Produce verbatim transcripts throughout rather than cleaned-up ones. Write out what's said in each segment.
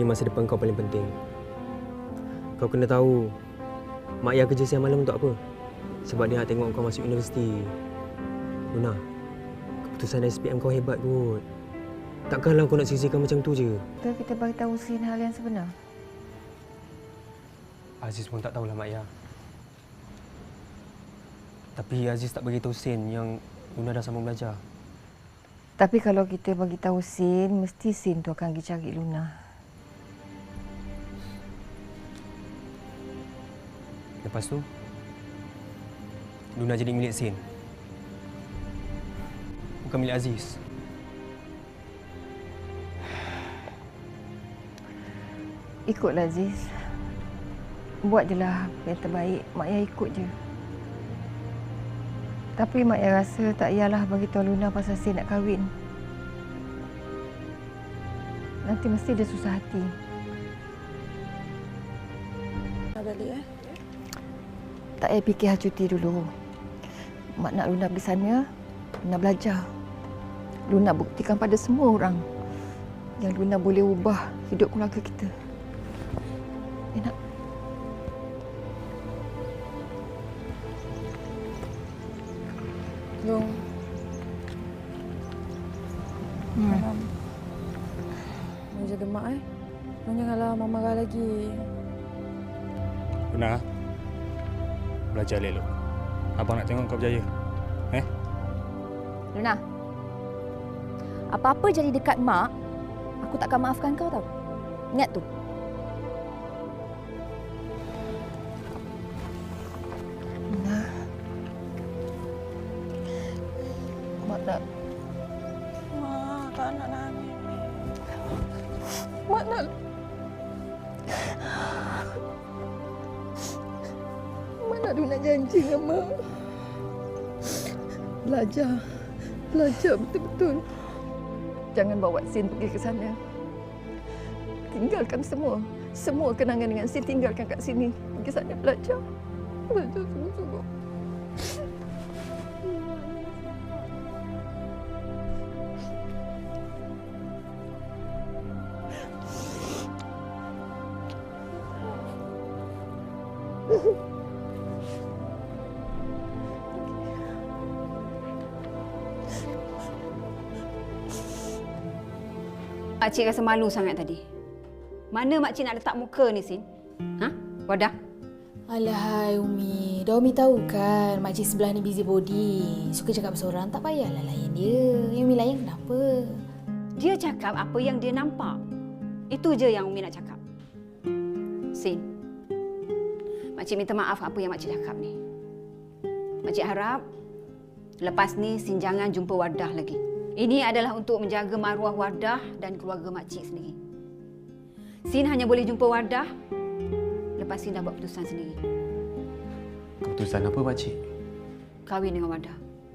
masa depan kau paling penting. Kau kena tahu, Mak Ayah kerja siang malam untuk apa? Sebab dia nak tengok kau masuk universiti. Luna, keputusan S P M kau hebat kot. Takkanlah kau nak sisihkan macam tu je. Kita kita bagi tahu Sin hal yang sebenar. Aziz pun tak tahulah Mak Ayah. Tapi Aziz tak bagi tahu Sin yang Luna dah sama belajar. Tapi kalau kita bagi tahu Sin, mesti Sin tu akan pergi cari Luna. Lepas tu, Luna jadi milik Sin. Bukan milik Aziz. Ikutlah Aziz. Buat je lah yang terbaik. Mak Ayah ikut je. Tapi Mak Ayah rasa tak payahlah bagi tahu Luna pasal Sin nak kahwin. Nanti mesti dia susah hati. Nak balik eh? Tak payah fikir hal cuti dulu. Mak nak Luna pergi sana, Luna belajar. Luna buktikan pada semua orang yang Luna boleh ubah hidup keluarga kita. Eh, nak? Long. Hmm. Malam. Mau jaga mak eh. Long janganlah mak marah lagi. Luna, belajar elok. Abang nak tengok kau berjaya. Eh? Luna, apa-apa jadi dekat mak, aku takkan maafkan kau tau. Ingat tu. Luna. Mak nak... Mak, tak nak nangis. Mak nak... Mak nak Luna janji dengan Mak. Belajar. Belajar betul-betul. Jangan bawa Sin pergi ke sana. Tinggalkan semua. Semua kenangan dengan Sin tinggalkan kat sini. Pergi sana belajar. Belajar sungguh-sungguh. Makcik rasa malu sangat tadi. Mana makcik nak letak muka ni, Sin? Ha? Wadah? Alahai Umi, dah Umi tahu kan makcik sebelah ni busy body. Suka cakap seorang, tak payahlah layan dia. Yang Umi layan kenapa? Dia cakap apa yang dia nampak. Itu je yang Umi nak cakap. Sin, makcik minta maaf apa yang makcik cakap ni. Makcik harap lepas ni Sin jangan jumpa Wadah lagi. Ini adalah untuk menjaga maruah Wadah dan keluarga makcik sendiri. Sin hanya boleh jumpa Wadah lepas Sin dah buat keputusan sendiri. Keputusan apa, makcik? Kahwin dengan Wadah.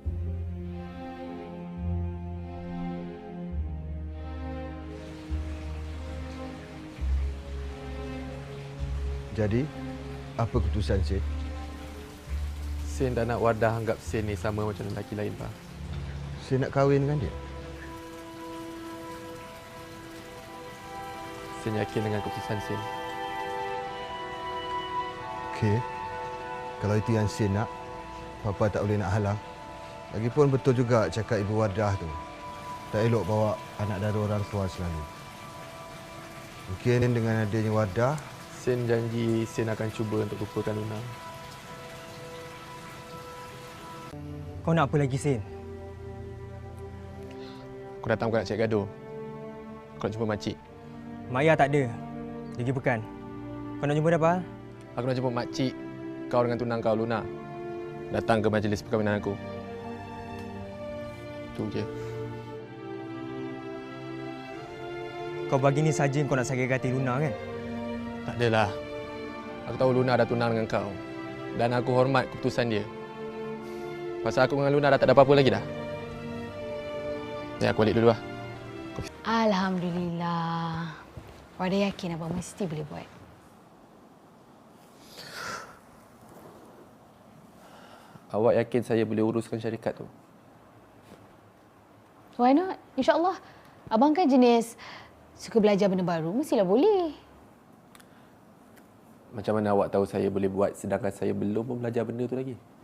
Jadi, apa keputusan Sin? Sin tak nak Wadah anggap Sin ni sama macam lelaki lain, Pak. Sin nak kahwin dengan dia? Sin yakin dengan keputusan Sin. Okey. Kalau itu yang Sin nak, Papa tak boleh nak halang. Lagipun betul juga cakap Ibu Wadah tu. Tak elok bawa anak dara orang tua selalu. Mungkin dengan adanya Wadah, Sin janji Sin akan cuba untuk lupakan Luna. Kau nak apa lagi, Sin? Aku datang bukan nak cari gaduh. Aku nak jumpa makcik. Mak Ayah tak ada. Dia pergi pekan. Kau nak jumpa dia apa? Aku nak jumpa makcik kau dengan tunang kau, Luna. Datang ke majlis perkahwinan aku. Itu je. Kau bagi ni saja kau nak sakit hati Luna kan? Tak adalah. Aku tahu Luna dah tunang dengan kau. Dan aku hormat keputusan dia. Pasal aku dengan Luna dah tak ada apa-apa lagi dah. Ya, aku balik dulu lah. Alhamdulillah. Wadah yakin abang mesti boleh buat. Awak yakin saya boleh uruskan syarikat tu? Why not? InsyaAllah. Abang kan jenis Suka belajar benda baru, mestilah boleh. Macam mana awak tahu saya boleh buat sedangkan saya belum pun belajar benda tu lagi?